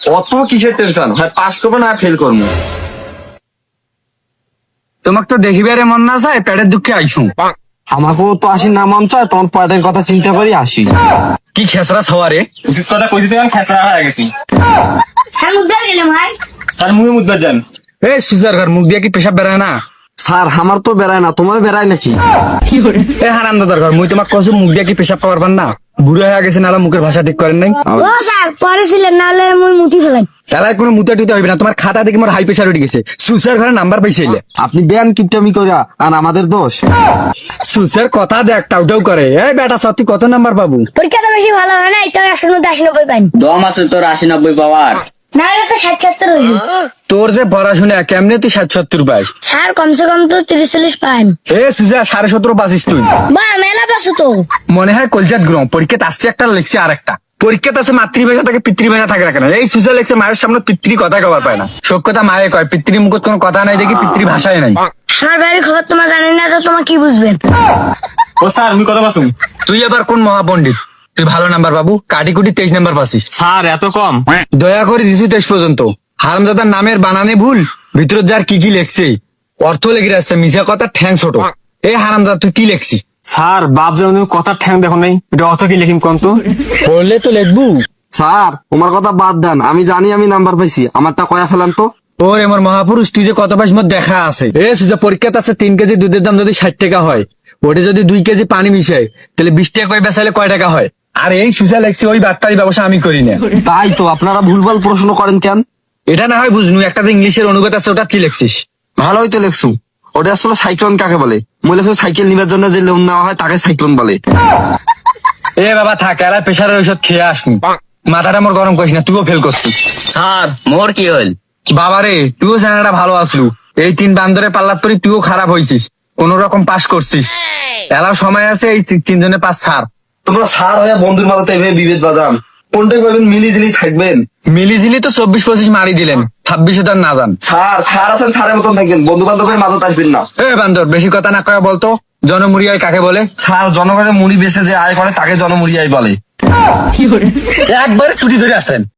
অত কিসের টেনশন, হয় পাস করবো না ফেল করবো। তোমাকে তো দেখিবারে মন না চায়, পেটের দুঃখে আইসু। আমাকেও তো আসি না মন চায়, তোমার পাটের কথা চিন্তা করি আসি। কি খেসরা সওয়ারে, উচিত কথা কইছি তখন খেসরা হয়ে গেছি। স্যার মুদ্রা গেলাম ভাই। স্যার মুখে মুদবার যান। এই সুজার ঘর মুখ দিয়ে কি পেশাব বেড়ায় না? স্যার আমার তো বেড়ায় না, তোমার বেড়ায় নাকি? এ হারাম দাদার ঘর, মুই তোমাকে কইছি মুখ দিয়ে কি পেশাব পারবার না? বুড়ো হয়ে গেছে, নালা মুখের ভাষা ঠিক করেন নাই। ও স্যার পরে ছিলেন, নাহলে মুই মুতি ফেলাই। তাহলে কোনো মুতে টুতে হইবে না, তোমার খাতা দেখে মোর হাই প্রেশার উঠে গেছে। সুসার ঘরে নাম্বার পাইছিলে। আপনি দেন কিপটামি করিয়া, আর আমাদের দোষ? সুসার কথা দেখ, টাউটাউ করে। এই বেটা সত্যি কত নাম্বার পাবো? পরীক্ষাটা বেশি ভালো হয় না, তো 100 মধ্যে 80-90 পাইনি। দম আছে তোর 80-90 পাওয়ার? নাহলে তো 60-70 হইবে। তোর যে পড়াশোনা কেমনে তুই 60-70 পাইস? স্যার কমসে কম তো 30-40 পাইন। এ সুজা 17.5 পাইছিস তুই। বা মেলা পাসু তো। মনে হয় কলজাত গ্রহ পরীক্ষাতে আসছে একটা লিখছে আর একটা। পরীক্ষাতে আছে মাতৃভাষা থাকে পিতৃভাষা থাকে না কেন? এই সুজা লিখছে মায়ের সামনে পিতৃ কথা কবার পায় না। সব কথা মায়ে কয়, পিতৃ মুখত কোনো কথা নাই দেখি পিতৃভাষায় নাই। আমার বাড়ির খবর তোমার জানেন না, তো তোমার কি বুঝবেন? ও স্যার মুই কথা পাসুম। তুই এবার কোন মহাপণ্ডিত? তুই ভালো নাম্বার বাবু, কাটি কুটি 23 নাম্বার পাসিস। স্যার এত কম? দয়া করে দিছু 23 পর্যন্ত। হারামজাদার নামের বানানে ভুল, ভিতর যার কি কি লেখছে অর্থ লেগে আসছে, মিশা কথা ঠ্যাং ছোট। এই হারামজাদা তুই কি লেখছিস? স্যার বাপ যেমন তুমি কথার ঠ্যাং দেখো নাই, এটা অত কি লিখিম কোন তো? পড়লে তো লিখবু। স্যার তোমার কথা বাদ দেন, আমি জানি আমি নাম্বার পাইছি, আমারটা কয়া ফেলান তো। ওর আমার মহাপুরুষ, তুই যে কত পাইস মোর দেখা আছে। এ সুজা পরীক্ষাতে আছে 3 কেজি দুধের দাম যদি 60 টাকা হয়, ওটা যদি 2 কেজি পানি মিশাই তাহলে 20 টাকা করে বেচাইলে কয় টাকা হয়? আর এই সুজা লেখছি ওই বাটপারি ব্যবসা আমি করি না। তাই তো আপনারা ভুলভাল প্রশ্ন করেন কেন? এটা না হয় বুঝনু, একটা যে ইংলিশের অনুবাদ আছে ওটা কি লেখছিস? ভালোই তো লেখছু। ওটা আসলে সাইক্লোন কাকে বলে? মনে লেখছো সাইকেল নিবার জন্য যে লোন নেওয়া হয় তাকে সাইক্লোন বলে। এ বাবা থাক, এলা প্রেশারের ঔষধ খেয়ে আসনি। মাথাটা মোর গরম করিস না, তুইও ফেল করছিস। স্যার মোর কি হল? বাবারে তুইও জানাটা ভালো আসলু, এই 3 বান্দরে পাল্লার পরি তুইও খারাপ হয়েছিস, কোন রকম পাস করছিস। এলাও সময় আছে, এই 3 জনে পাস ছাড়। তোমরা সার হয়ে বন্ধুর মাথাতে এভাবে বিভেদ বাজান, কোনটা করবেন মিলিঝিলি থাকবেন। মিলিঝিলি তো 24-25 মারি দিলেন, 26 তার না যান। স্যার স্যার আছেন, স্যারের মতন থাকবেন, বন্ধু বান্ধবের মাঝে আসবেন না। এ বান্দর বেশি কথা না কয়া বলতো, জনমুড়িয়ায় কাকে বলে? স্যার জনগণের মুড়ি বেচে যে আয় করে তাকে জনমুড়ি আয় বলে। একবারে ছুটি ধরে আসেন।